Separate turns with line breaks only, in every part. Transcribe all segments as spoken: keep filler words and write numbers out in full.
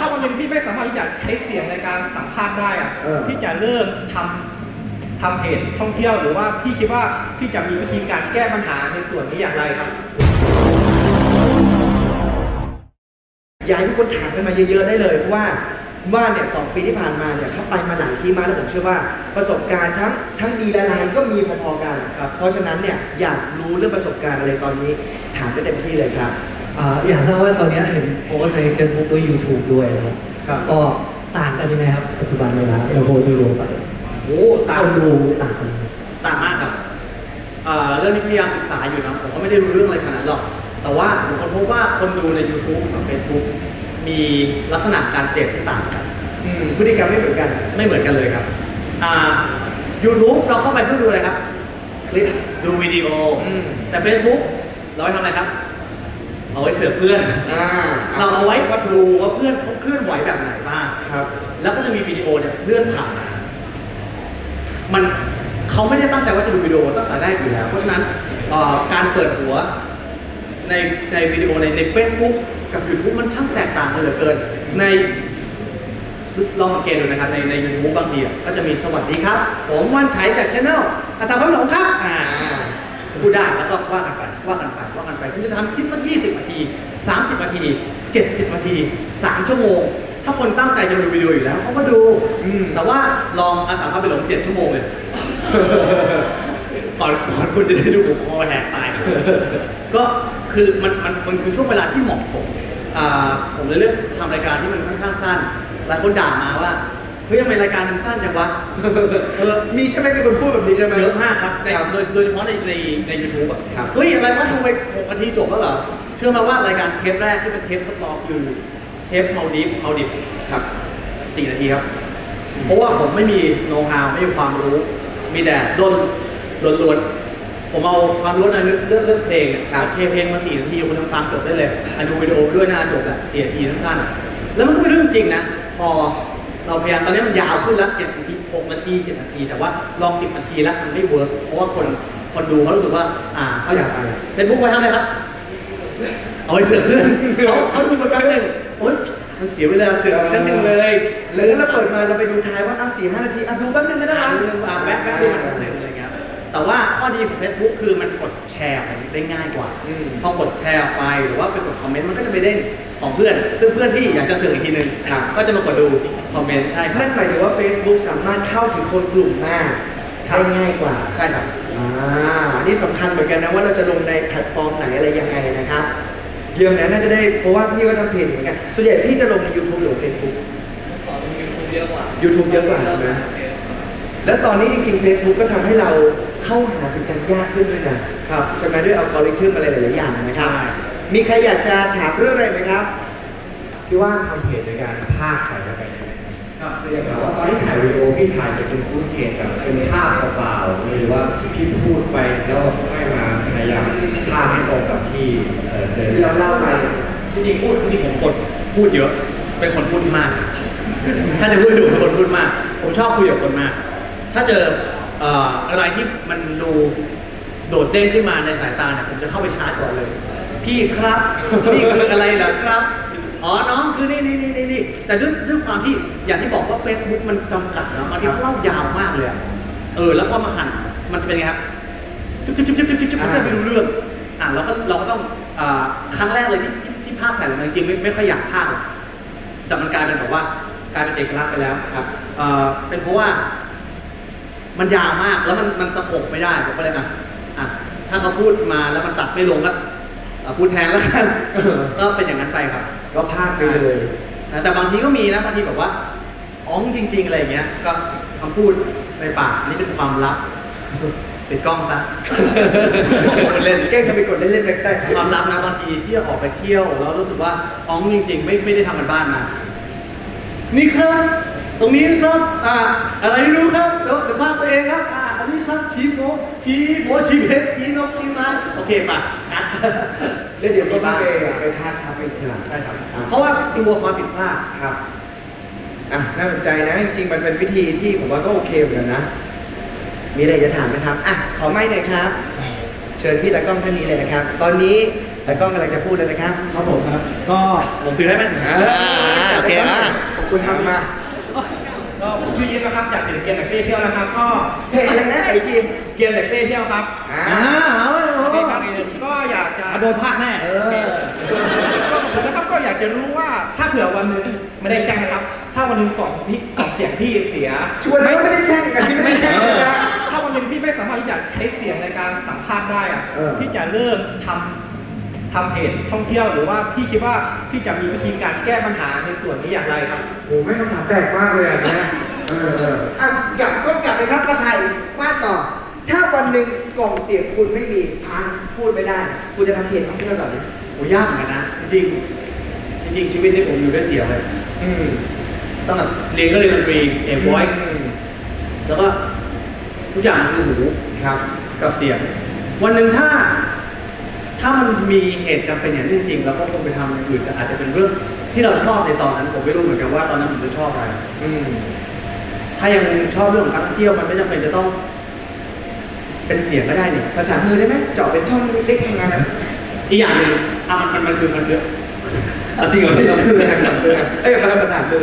ถ้าวันหนึงพี่ไม่สามารถที่จะใช้เสียงในการสัมภาษณ์ได้อะพี่จะเริ่มทำทำเพจท่องเที่ยวหรือว่าพี่คิดว่าพี่จะมีวิธีการแก้ปัญหาในส่วนนี้อย่างไรครับ
อยากให้ทุกคนถามกันมาเยอะๆได้เลยเพราะว่าว่าเนี่ยสองปีที่ผ่านมาเนี่ยเขาไปมาหลายที่มากแล้วผมเชื่อว่าประสบการณ์ทั้งทั้งดีและร้ายก็มีพอๆกันครับเพราะฉะนั้นเนี่ยอยากรู้เรื่องประสบการณ์อะไรตอนนี้ถามได้เต็มที่เลยครับ
อ่าอยากทราบว่าตอนนี้เห็นโพสใน Facebook ด้วย YouTube ด้วยนะครับก็ต่างกันยังไงครับปัจจุบันเวลาเราโพสต์ดูไป
โอ้ต่าง
ดูต่างกัน
ต่างมากครับเรื่องนี้พยายามศึกษาอยู่นะผมก็ไม่ได้รู้เรื่องอะไรขนาดนั้นหรอกแต่ว่าผมคนพบว่าคนดูใน YouTube กับ Facebook มีลักษณะการเสพที่ต่างกัน
พฤติกรรมไม่เหมือนกัน
ไม่เหมือนกันเลยครับอ่า YouTube เราเข้าไปเพื่อดูอะไรครับคลิปดูวิดีโอแต่ Facebook เราไปทำอะไรครับเอาไว้เสือกเพื่อนเราเอาไว้ว่าดูว่าเพื่อนเขาเคลื่อนไหวแบบไหนบ้างครับแล้วก็จะมีวิดีโอเนี่ยเลื่อนผ่านมามันเขาไม่ได้ตั้งใจว่าจะดูวิดีโอตั้งแต่แรกอยู่แล้วเพราะฉะนั้นการเปิดหัวในในวิดีโอในใน Facebook กับ YouTube มันช่างแตกต่างกันเหลือเกินในลองสังเกตดูนะครับในใน YouTube บางทีก็จะมีสวัสดีครับผมว่านชัยจากช่องอาสาพหลงครับอ่าพูดได้แล้วก็ว่ากันไปว่ากันไปว่ากันไปคุณจะทำคลิปสักยี่สิบนาทีสามสิบนาทีเจ็ดสิบนาทีสามชั่วโมงถ้าคนตั้งใจจะดูวิดีโออยู่แล้วเขาก็ดูแต่ว่าลองอาสาพาไปหลงเจ็ดชั่วโมงเลยก่อนก่อนคุณจะได้ดูผมคอแหกตายก็คือมันมันมันคือช่วงเวลาที่เหมาะสมผมเลยเลือกทำรายการที่มันค่อนข้างสั้นหลายคนด่ามาว่าเฮ้ยทำไมรายการมันสั้นจังวะ
เออมีใช่ไหมมีคนพูดแบบนี้ใช่ไหม
เยอะมากครับโดยโดยเฉพาะในในในยูทูบอ่ะเฮ้ยอะไรวะดูไปหกนาทีจบแล้วเหรอเชื่อมาว่ารายการเทปแรกที่เป็นเทปทดลองคือเทปเมาดิฟเมาดิฟครับสี่นาทีครับเพราะว่าผมไม่มีโน้ตฮาวไม่มีความรู้มีแต่ดนล้วนๆผมเอาความรู้ในเรื่องเรื่องเพลงอ่ะเทเพลงมาสี่นาทีคุณทำฟังจบได้เลยอันดูวิดีโอด้วยหน้าจบแหละสี่นาทีสั้นๆแล้วมันก็เป็นเรื่องจริงนะพอเราพยายามตอนนี้มันยาวขึ้นแล้วเจ็ดนาทีหกนาทีเจ็ดนาทีแต่ว่าลองสิบนาทีแล้วมันไม่เวิร์กเพราะว่าคนคนดูเขารู้สึกว่าอ่าเขาอยากไปเฟซบุ๊กไปทำอะไรครับเอาไปเสือกเพื่อนเขาเขาดูมาแป๊บนึงโอ๊ยมันเสียเวลาเสือกฉันนึงเลย
แล้วเราเปิดมาเราไปดูท้ายว่าเอาสี่ห้านาทีอ่ะดูแป๊บนึงก็ได้
ดูนึงอ่ะแวะแวะดูมันแป๊บนึงอะไรเงี้ยแต่ว่าข้อดีของ Facebook คือมันกดแชร์ได้ง่ายกว่าพอกดแชร์ออกไปหรือว่าไปกดคอมเมนต์มันก็จะไปเด้งของเพื่อนซึ่งเพื่อนที่อยากจะเสือกอีกทีนึงก็จะมากดดูคอมเมนต์ใช่ครับ
นั่นหมายถึงว่า Facebook สามารถเข้าถึงคนกลุ่มมากได้ง่ายกว่า
ใช่ครับ
อ่าอันนี้สำคัญเหมือนกันนะว่าเราจะลงในแพลตฟอร์มไหนอะไรยังไงนะครับเรื่องนั้นน่าจะได้เพราะว่าพี่ก็ทำเพจเหมือนกันส่วนใหญ่พี่จะลงใน YouTube หรือ Facebook
YouTube เยอะกว่า
YouTube เยอะกว่าใช่ไหมแล้วตอนนี้จริงๆ Facebook ก็ทำให้เราเข้าหาถึงกันยากขึ้นด้วยนะครับใช่ไหมด้วยอัลกอริทึมอะไรหลายๆอย่างนะครับมีใครอยากจะถามเรื่องอะไรไหมครับ
พี่ว่าทำเพจในการภาพใส่ลงไปครับคืออย่างว่าตอนที่ถ่ายวิดีโอพี่ถ่ายจะเป็นฟูดเทจแบบเป็นภาพเปล่าๆหรือว่าพี่พูดไปแล้วค่อยมาพยายามภาพให้ตรงกับที่เดิน
ที่เราเล่าไป
จริงๆพูดจริงๆผมคนพูดเยอะเป็นคนพูดมากถ้าจะพูดถึงเป็นคนพูดมากผมชอบคุยกับคนมากถ้าเจออะไรที่มันดูโดดเด้งขึ้นมาในสายตาเนี่ยผมจะเข้าไปชาร์จก่อนเลยพี่ครับนี่คืออะไรเหรอครับอ๋อน้องคือนี่นี่นี่นี่แต่ด้วยด้วยความที่อย่างที่บอกว่า Facebook มันจำกัดนะบางทีเขาเล่ายาวมากเลยเออแล้วพอมาหั่นมันจะเป็นไงครับจุ๊บจุ๊บจุ๊บจุ๊บจุ๊บจุ๊บมันจะไม่รู้เรื่องอ่ะเราก็เราก็ต้องครั้งแรกเลยที่ที่ภาพใส่ลงมาจริงๆไม่ไม่ค่อยอยากภาพแต่มันกลายเป็นแบบว่ากลายเป็นเอกลักษณ์ไปแล้วครับเออเป็นเพราะว่ามันยาวมากแล้วมันมันสะกดไม่ได้ผมก็เลยอ่ะอ่ะถ้าเขาพูดมาแล้วมันตัดไม่ลงก็พูดแทนแล้วกันก็เป็นอย่างนั้นไปครับ
ก็พากไปเลย
แต่บางทีก็มีนะบางทีแบบว่าอ๋องจริงๆอะไรอย่างเงี้ยก็คำพูดในปากนี่เป็นความลับปิดกล้องซะเล่น
แกล้งทำไปกดเล่นๆได้
ความลับนะบางทีที่ออกไปเที่ยวแล้วรู้สึกว่าอ๋องจริงๆไม่ไม่ได้ทำกันบ้านมานี่ครับตรงนี้ครับอ่าอะไรไม่รู้ครับเดี๋ยวเดี๋ยวบ้านตัวเองครับอ่าอันนี้ครับชี้โมชี้โมชี้เพชรชี้นกชี้ไม้โอเคป่ะคัด
แล้วเดี๋ยวก็ไปไปพากทับไปเถอะ
ใช่ครับเพราะว่ากลัวความผิดพลาด
ครับอ่ะน่าสนใจนะจริงๆมันเป็นวิธีที่ผมว่าก็โอเคเหมือนกันนะมีอะไรจะถามไหมครับอ่ะขอไมค์หน่อยครับเชิญพี่ตากล้องท่านนี้เลยนะครับตอนนี้ตากล้องกำลังจะพูดเลยนะครับ
ครับผมครับก็
ผมถือให้ไหม
โอเคคุณทำมา
ก็ผมชื่อยินนะครับจากเพจเกียร์แบกเป้เที่ยวนะครับ ก็
เพจอะไรนะไอที
เกียร์แบกเป้เที่ยวครับ
อ่า
อ่าเอาเอา
โอเค
เอา
ครับก็อยากจะ
อ่ะโดนพลาดแน่เออ
ก็ผมนะครับก็อยากจะรู้ว่าถ้าเผื่อวันหนึ่งไม่ได้แช่งนะครับ ถ้าวันหนึ่งกล่องพี่กล่องเสียงพี่เสีย
ชวนแล้วไม่ได้แช่งกันที่ไม่แช่งเลยนะ
ถ้าวันหนึ่งพี่ไม่สามารถที่จะใช้เสียงในการสัมภาษณ์ได้อะ
เออ
พี่จะเริ่มทำทำเพจท่องเที่ยวหรือว่าพี่คิดว่าพี่จะมีวิธีการแก้ปัญหาในส่วนนี้อย่างไรครับ
โอ้ไม่คำถามแปลกมากเลยอ่ะนะเออเออ
อ่ะกลับก็กลับเลยครับกระไทยว่าต่อ ถ้าวันหนึ่งกล่องเสียงคุณไม่มีพังพูดไม่ได้ คุณจะทำเพจท่องเที่ยวแบบนี้
โหยากเหมือนกันนะ จริงๆจริงๆชีวิตนี้ผมอยู่ด้วยเสียงเลย
อืม
ตั้งแต่เรียนก็เรียนดนตรีเอ็ม voice แล้วก็ทุกอย่างคือหู
ครับ
กับเสียง วันหนึ่งถ้า ถ้ามันมีเหตุจำเป็นอย่างนี้จริงๆเราก็คงไปทำอย่างอื่นแต่อาจจะเป็นเรื่องที่เราชอบในตอนนั้น ผมไม่รู้เหมือนกันว่าตอนนั้นผมจะชอบอะไร
อืม
ถ้ายังชอบเรื่องของการท่องเที่ยวมันไม่จำเป็นจะต้อง เป็นเสียงก็ได้เนี่ย
ภาษามือได้ไหมเจาะเป็นช่องเล็กๆทำงานนะ
อีกอย่างหนึ่งอ่ะมันมันมันคือมันเยอะเอาจริงเหรอที่เรา
มือนะสั่งมือเอ้ยภาษามือ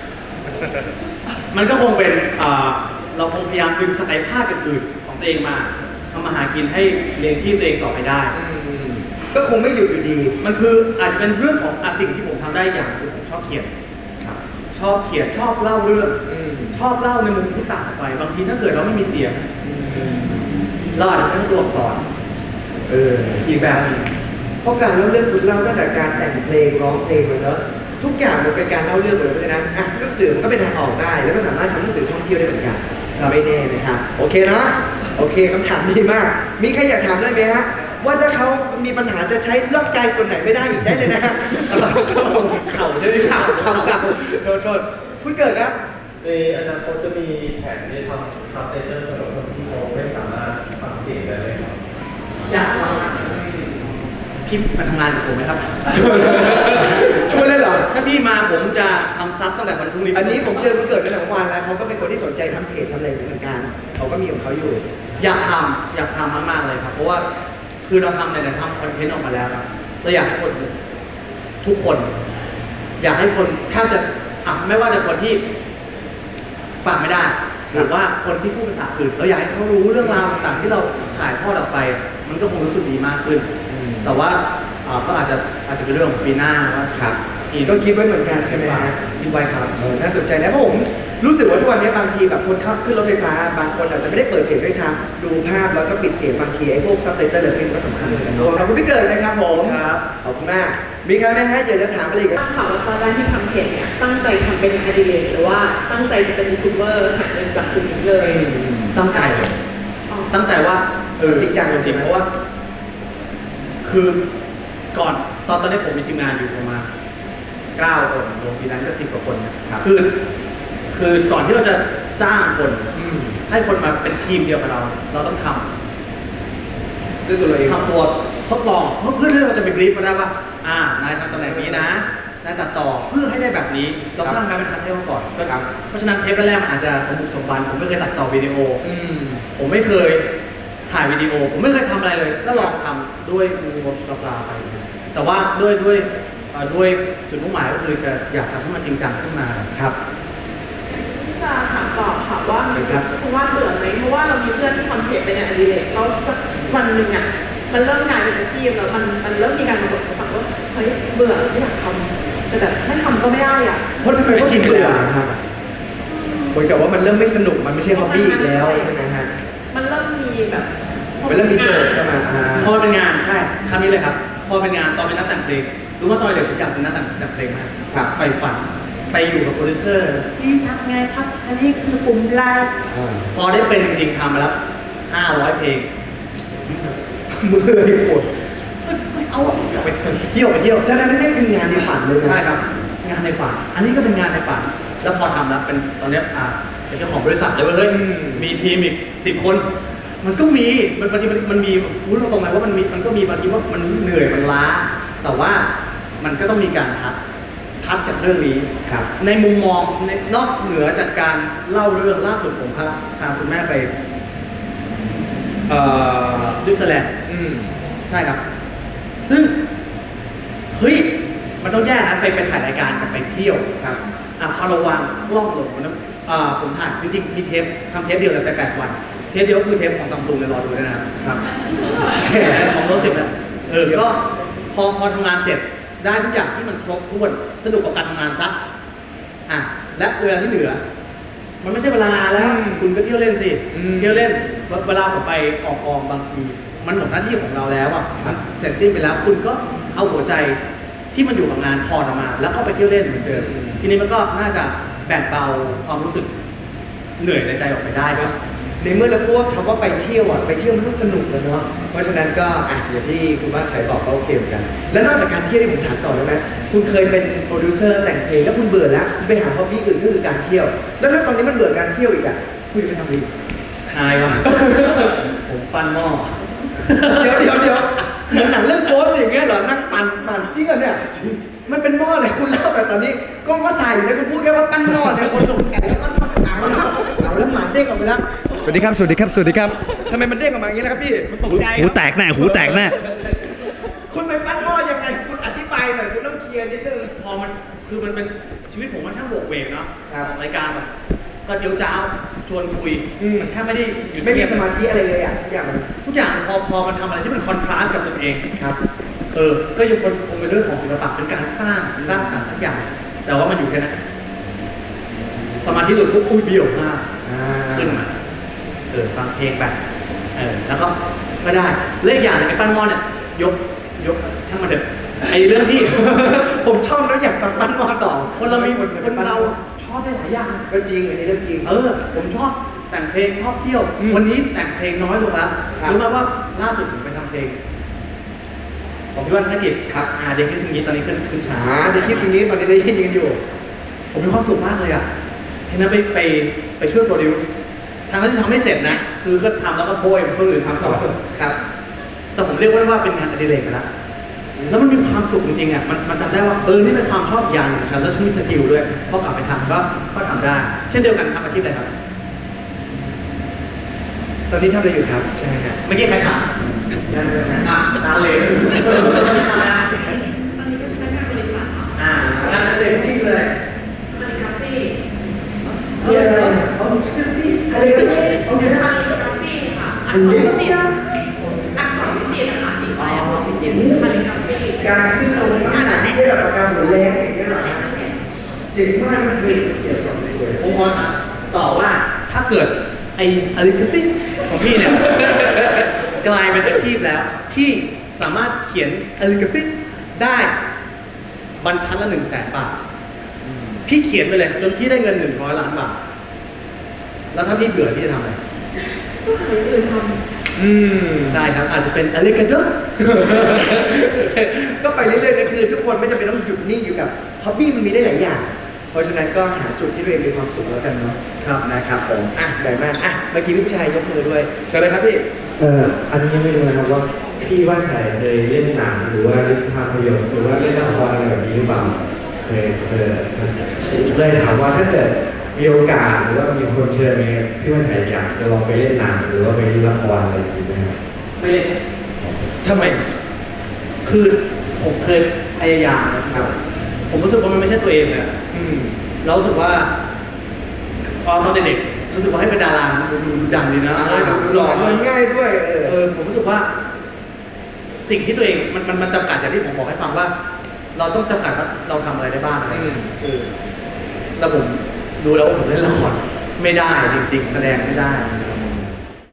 มันก็คงเป็นอ่าเราคงพยายามดึงศักยภาพอื่นๆของตัวเองมาทำมาหากินให้เลี้ยงชีพตัวเองต่อไปได้
อืมก็คงไม่หยุดอยู่ดี
มันคืออาจจะเป็นเรื่องของอาสิ่งที่ผมทำได้อย่างคือผมชอบเขียนชอบเขียนชอบเล่าเรื่อง
อืม
ชอบเล่าในมุมที่ต่างออกไป บางทีถ้าเกิดเราไม่มีเสียงเราอาจจะใช้ตัวอักษร
เอออีกแบบหนึ่งเพราะการเล่าเรื่องคุณเล่าตั้งแต่การแต่งเพลงร้องเพลงมาแล้วทุกอย่างมันเป็นการเล่าเรื่องหมดเลยเพราะฉะนั้นอ่ะหนังสือมันก็เป็นทางออกได้ แล้วก็สามารถทำหนังสือท่องเที่ยวได้เหมือนกันไม่แน่นะครับโอเคเนาะโอเคคำถามดีมาก มีใครอยากถามได้ไหมฮะว่าถ้าเขามีปัญหาจะใช้ร่างกายส่วนไหนไม่ได้อีกได้เลยนะฮะ
เข่าใช่ไหม
ข่าวข่าวข่าวโทษโทษคุณเกิดครับ
ในอนาคตจะมีแผนที่ทำซับไตเติลสำหรับคนที่เขาไม่สามารถฟังเสียงได้เลยครับ
อยากฟังพี่มาทำงานกับผมไหมครับ
ช่วยได้เหรอ
ถ้าพี่มาผมจะทำซับตั้งแต่วันพรุ่งนี้
อันนี้ผมเจอคุณเกิดตั้งแต่เมื่อวานแล้วเขาก็เป็นคนที่สนใจทำเพจทำอะไรเหมือนกันเขาก็มีของเขาอยู่
อยากทำอยากทำมากๆเลยครับ เพราะว่าคือเราทำในแต่ทำคอนเทนต์ออกมาแล้วครับเราอยากให้คนทุกคน อยากให้คนแทบจะอ่ะไม่ว่าจะคนที่ฟังไม่ได้ หรือว่าคนที่พูดภาษาอื่นเราอยากให้เขารู้เรื่องราวต่างๆที่เราถ่ายทอดออกไป มันก็คงรู้สึกดีมากขึ้น แต่ว่าอ่าก็อาจจะอาจจะเป็นเรื่องของปีหน้าว่า
ครับ
ที
ก็คิดไว้เหมือนกันใช่ไหมฮะ
คิดไว้ครับ
เออน่าสนใจนะเพราะผมรู้สึกว่าทุกวันนี้บางทีแบบคนขับขึ้นรถไฟฟ้า บางคนอาจจะไม่ได้เปิดเสียงด้วยซ้ำดูภาพแล้วก็ปิดเสียงบางทีไอ้พวกซับไตเติลอะไรพวกนี้ก็สำคัญเหมือนกันเนอะขอบคุณพี่เกิดนะครับผม
ครับ
ขอบคุณมาก มีใครไหมฮะอยากจะถามอะไรอีกไหม
ตั้งถามว่าตอนแรกที่ทำเพจเนี่ยตั้งใจทำเป็นอดิเรกหรือว่าตั้งใจจะเป็นยูทูบเบอร์หาเงินจากตรงนี้เลย
ตั้งใจเลย
อ๋อ
ตั้งใจว่าเออ
จริงจัง
จริงๆเพราะว่า คือก่อนตอนตอนนี้ผมมีทีมงานอยู่ประมาณเก้าคนรวมทีนั้นก็สิบกว่าคนนะครับ คือ คือก่อนที่เราจะจ้างคน
อืม
ให้คนมาเป็นทีมเดียวกับเรา เราต้องทำ
ด้วยตัวเราเอง
ทำตัวทดลองเพื่อที่เราจะไปบรีฟมาได้ว่า อ่านายทำตำแหน่งนี้นะนายตัดต่อเพื่อให้ได้แบบนี้ เราสร้างการเป็นทันเทปมาก่อนก็เพราะฉะนั้นเทปแรกๆมันอาจจะสมบุกสมบันผมไม่เคยตัดต่อวิดีโอ
อืม
ผมไม่เคยถ่ายวิดีโอ ผมไม่เคยทำอะไรเลย ก็ลองทำด้วยมือปลาๆไป แต่ว่าด้วยด้วยเอ่อด้วยจุดมุ่งหมายก็คือจะอยากทำให้มันจริงจังขึ้นมา
ครับ
ที่จะถามต่อค่ะว่า
ครับ
คุณว่าเบื่อไหมเพราะว่าเรามีเพื่อนที่ทำเพจเป็นอดิเรกแล้วสักวันหนึ่งอ่ะมันเริ่มกลายเป็นอาชีพแล้วมันมันเริ่มมีการมาบ่นให้ฟังว่าเฮ้ยเบื่อไม่อยากทำแต่แบบไม่ทำก็ไม่ได้อ่ะ
เพราะทำไมไม่ชินเบื่อครับเหมือนกับว่ามันเริ่มไม่สนุกมันไม่ใช่ฮอบบี้อีกแล้วใช่ไหมฮะ
มันเริ่มมีแบบ
มันเริ่มมีโจทย์เข้ามาอ่า
พอเป็นงานใช่คำนี้เลยครับ พอเป็นงานตอนเป็นนักแต่งเพลงรู้ว่าตอนเด็กผมอยากเป็นนักแต่งแต่งเพลงมาก
ครับ
ไปฝันไปอยู่กับโปรดิวเซอร์พี่ทำไงครับ อันนี้คือปุ่มไลน์
อ่า
พอได้เป็นจริงๆทำมาแล้วห้าร้อยเพลง
มือเลยปวด
ไม่เอาอะอยากไปเที่ยวไปเที่ยว
ถ้านั้นนี่คืองานในฝันเลยนะ
ใช่ครับ งานในฝัน อันนี้ก็เป็นงานในฝัน แล้วพอทำแล้วเป็นตอนเนี้ยอ่าเป็นเจ้าของบริษัทเลยเว่าเฮ้ยมีทีมอีกสิบคน มันก็มีมันบางทีมันมันมีรู้ตรงไหนว่ามันมีมันก็มีบางทีว่ามันเหนื่อยมันล้า แต่ว่ามันก็ต้องมีการพักพักจากเรื่องนี้
ครับ
ในมุมมองในนอกเหนือจากการเล่าเรื่องล่าสุดผมพาพาคุณแม่ไปเอ่อสวิตเซอร์แลนด์
อืม
ใช่ครับ ซึ่งเฮ้ยมันต้องแยกนะไปไปถ่ายรายการกับไปเที่ยว
ครับ
อ่ะพอเราวางกล้องลงมันอ่าผมถ่ายจริงๆมีเทปทำเทปเดียวเลยไปแปดวันเทปเดียวก็คือเทปของซัมซุงเลยรอดูด้วยนะครับ
ครับ
ของโน้ตสิบนะเออก็พอพอทำงานเสร็จได้ทุกอย่างที่มันครบถ้วนสนุกกับการทำงานซะอ่ะและเวลาที่เหลือ มันไม่ใช่เวลาแล้ว คุณก็เที่ยวเล่นสิ
อืม
เที่ยวเล่นเวลาผมไปออกกองบางทีมันหมดหน้าที่ของเราแล้วอ่ะมันเสร็จสิ้นไปแล้ว คุณก็เอาหัวใจที่มันอยู่กับงานถอดออกมา แล้วก็ไปเที่ยวเล่นเหมือนเดิมทีนี้มันก็น่าจะแบ่งเบาความรู้สึกเหนื่อยในใจออกไปได้ครับ
ในเมื่อเราพูดว่าคำว่าไปเที่ยวอ่ะไปเที่ยวมันต้องสนุกเลยเนาะเพราะฉะนั้นก็อ่ะอย่างที่คุณว่าชัยบอกก็โอเคเหมือนกัน แล้วนอกจากการเที่ยวที่ผมถามต่อได้ไหมคุณเคยเป็นโปรดิวเซอร์แต่งเพลงแล้วคุณเบื่อแล้วคุณไปหาฮอบบี้อื่นก็คือการเที่ยว แล้วถ้าตอนนี้มันเบื่อการเที่ยวอีกอ่ะคุณจะไปทำอะไรอีก
ทายวะ ผมปั้นหม้อ
เดี๋ยวเดี๋ยวเดี๋ยวเหมือนหนังเรื่องโกสอย่างเงี้ยเหรอนั่งปั่นปั่นจริงเหรอเนี่ยมันเป็นหม้ออะไรคุณเล่าแต่ตอนนี้กล้องก็ถ่ายอยู่นะคุณพูดแค่ว่าปั้นหม้อเนี่ยคนสงสัยแล้วก็เอาแล้วเอาแล้วหมาเด้งออกไปแล้วสวัสดีครับสวัสดีครับสวัสดีครับทำไมมันเด้งออกมาอย่างนี้ล่ะครับพี่ตกใจ
หูแตกแน่หูแตกแน่
คุณไปปั้นหม้อยังไงคุณอธิบายหน่อยคุณต้องเคลียร์นิดนึง
พอมันคือมันเป็นชีวิตผมมันช่างโบกเวกเนาะ
ครับ
รายการแบบก็เจียวจ้าวชวนคุย
อืม
มันแทบไม่ได้หยุด
ไม่มี
เงียบ
สมาธิอะไรเลยอ่ะทุกอย่างมัน
ทุกอย่างพอพอมันทำอะไรที่มันคอนทราสต์กับตัวเอง
ครับ
เออ ก็ยังคงคงเป็นเรื่องของศิลปะเป็นการสร้างสร้างสรรค์สักอย่าง แต่ว่ามันอยู่แค่นั้นสมาธิหลุดปุ๊บอุ้ยเบี้ยวมาก
อ่า
ขึ้นมาเออฟังเพลงไปเออแล้วก็ไม่ได้เรื่องอย่างหนึงไอ้ปั้นหม้อเนี่ยยกยกช่างมันเถอะไอ้เรื่องที่
ผมชอบแล้วอยากฟังปั้นหม้อต่อ
คนเรามีคนเราชอบได้หลายอย่าง
ก็จริงอันนี้เรื่องจริง
เออ ผมชอบแต่งเพลงชอบเที่ยว
อืม
วันนี้แต่งเพลงน้อยลงแล้ว
ครับ
รู้ไหมว่าล่าสุดผมไปทำเพลงของพี่ว่านธนกิจครับอ่าเด็กที่สุนีตอนนี้ขึ้นขึ้นช้า
อ่าจะคิดสิ่งนี้ตอนนี้ได้ยินกันอยู่
ผมมีความสุขมากเลยอ่ะเห็นนั้นไปไปไปช่วยโปรดิวซ์ทางที่ทำไม่เสร็จนะ คือก็ทำแล้วก็โบยเพื่อนอื่นทำต่อ
ครับ
แต่ผมเรียกว่าว่าเป็นงานอดิเรกไปแล้วแล้วมันมีความสุขจริงๆอ่ะมันมันจำได้ว่าเออนี่เป็นความชอบอย่างหนึ่งของฉันแล้วฉันมีสกิลด้วยพอกลับไปทำก็ก็ทำได้ เช่นเดียวกันทำอาชีพอะไรครับ
ตอนนี้ทำอะไรอยู่ครับใช่ฮะ
เมื่อกี้ใครถามอ่ะตาเหลว
ตอนนี้เป็นพนักงานบริษัทค่ะ
อ่างานอดิเรกนี่คืออะไร
คาลิคาเฟ่
เรียนอะไรเอาซื้อที่อะไรกันโอเค
คาลิกราฟีค่ะอักษรวิจิตรอักษรวิจิตรนะคะดีไซน์อักษรวิจิตรคาลิกราฟี
การขึ้นลงน้ำหนักที่แบบการหมุนแรงอย่างเงี้ยเหรอเจ๋งมากมันเป็นเกี่ยวกับสวย
ผมขอถามต่อว่าถ้าเกิดไอ้อลิกราฟิกของพี่เนี่ย กลายเป็นอาชีพแล้ว พี่สามารถเขียนอลิกราฟิกได้บรรทัดละหนึ่งแสนบาท พี่เขียนไปเลยจนพี่ได้เงินหนึ่งร้อยล้านบาท แล้วถ้าพี่เบื่อพี่จะทำอะไร
ก็หาอย่างอื่นท
อืม
ได้ครับอาจจะเป็นอลิกาโด
ก็ไปเรื่อยๆนะคือทุกคนไม่จำเป็นต้องหยุดนิ่งอยู่กับฮ็อบบี้มันมีได้หลายอย่าง เพราะฉะนั้นก็หาจุดที่ตัวเองมีความสุขแล้วกันเนาะ
ครับ
นะครับผมอ่ะได้มากอ่ะเมื่อกี้พี่ผู้ชายยกมือด้วยเชิญเลยครับพี่
เอ่ออันนี้ยังไม่รู้นะครับว่าพี่ว่าชัยเคยเล่นหนังหรือว่าเล่นภาพยนตร์หรือว่าเล่นละครอะไรแบบนี้หรือเปล่าเคยเคยเลยถามว่าถ้าเกิดมีโอกาสหรือว่ามีคนเชิญไหมพี่ว่าชัยอยากจะลองไปเล่นหนังหรือว่าไปเล่นละครอะไรอย่างนี้ไหมครับ
ไม่เล่นทำไม คือผมเคยพยายามนะครับ ผมรู้สึกว่ามันไม่ใช่ตัวเองเลยอะ
อืม
เรารู้สึกว่าตอนเด็กๆรู้สึกว่าให้เป็นดาราดูดูดังดีนะ
อ่า
ดู
ดู
ห
ห
ล่
ล่
อ
อมันง่ายด้วยเออ
เออผมรู้สึกว่า สิ่งที่ตัวเองมันมันมันจำกัดอย่างที่ผมบอกให้ฟังว่า เราต้องจำกัดว่าเราทำอะไรได้บ้างอะไรอย่างเงี้ยเออแล้วผมดูแล้วว่าผมเล่นละครไม่ได้จริง ๆ แสดงไม่ได้นะครับ